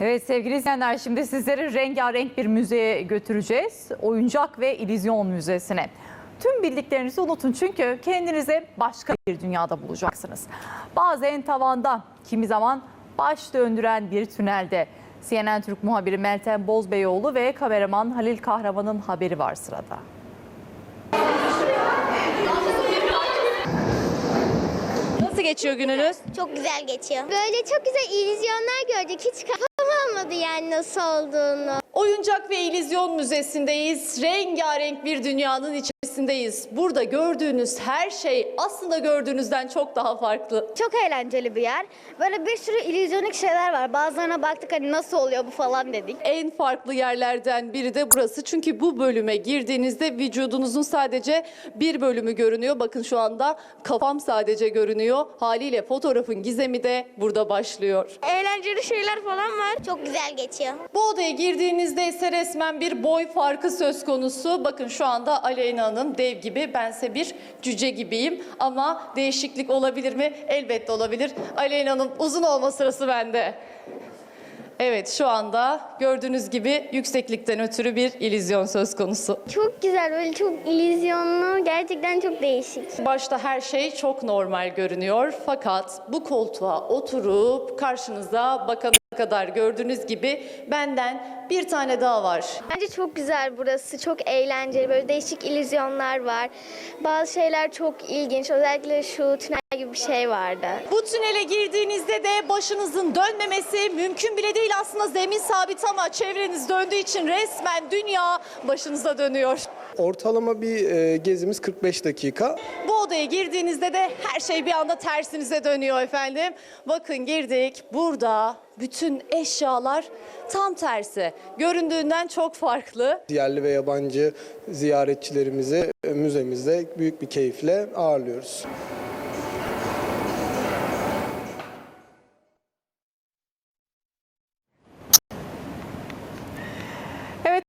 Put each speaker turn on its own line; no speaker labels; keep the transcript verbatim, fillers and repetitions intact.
Evet sevgili izleyenler, şimdi sizleri rengarenk bir müzeye götüreceğiz. Oyuncak ve İllüzyon Müzesi'ne. Tüm bildiklerinizi unutun çünkü kendinize başka bir dünyada bulacaksınız. Bazen tavanda, kimi zaman baş döndüren bir tünelde. C N N Türk muhabiri Meltem Bozbeyoğlu ve kameraman Halil Kahraman'ın haberi var sırada.
Nasıl geçiyor gününüz?
Çok güzel geçiyor. Böyle çok güzel illüzyonlar gördük. Hiç kafam almadı yani nasıl olduğunu.
Oyuncak ve İllüzyon Müzesi'ndeyiz. Rengarenk bir dünyanın içerisindeyiz. Burada gördüğünüz her şey aslında gördüğünüzden çok daha farklı.
Çok eğlenceli bir yer. Böyle bir sürü illüzyonik şeyler var. Bazılarına baktık hani nasıl oluyor bu falan dedik.
En farklı yerlerden biri de burası. Çünkü bu bölüme girdiğinizde vücudunuzun sadece bir bölümü görünüyor. Bakın şu anda kafam sadece görünüyor. Haliyle fotoğrafın gizemi de burada başlıyor.
Eğlenceli şeyler falan var. Çok güzel geçiyor.
Bu odaya girdiğinizde ise resmen bir boy farkı söz konusu. Bakın şu anda Aleyna Hanım dev gibi, bense bir cüce gibiyim. Ama değişiklik olabilir mi? Elbette olabilir. Aleyna Hanım uzun olma sırası bende. Evet, şu anda gördüğünüz gibi yükseklikten ötürü bir illüzyon söz konusu.
Çok güzel, böyle çok illüzyonlu, gerçekten çok değişik.
Başta her şey çok normal görünüyor. Fakat bu koltuğa oturup karşınıza bakana kadar gördüğünüz gibi benden bir tane daha var.
Bence çok güzel burası, çok eğlenceli, böyle değişik illüzyonlar var. Bazı şeyler çok ilginç, özellikle şu tünel gibi bir şey vardı.
Bu tünele girdiğinizde de başınızın dönmemesi mümkün bile değil. Aslında zemin sabit ama çevreniz döndüğü için resmen dünya başınıza dönüyor.
Ortalama bir e, gezimiz kırk beş dakika.
Bu odaya girdiğinizde de her şey bir anda tersinize dönüyor efendim. Bakın girdik, burada bütün eşyalar tam tersi. Göründüğünden çok farklı.
Yerli ve yabancı ziyaretçilerimizi e, müzemizde büyük bir keyifle ağırlıyoruz.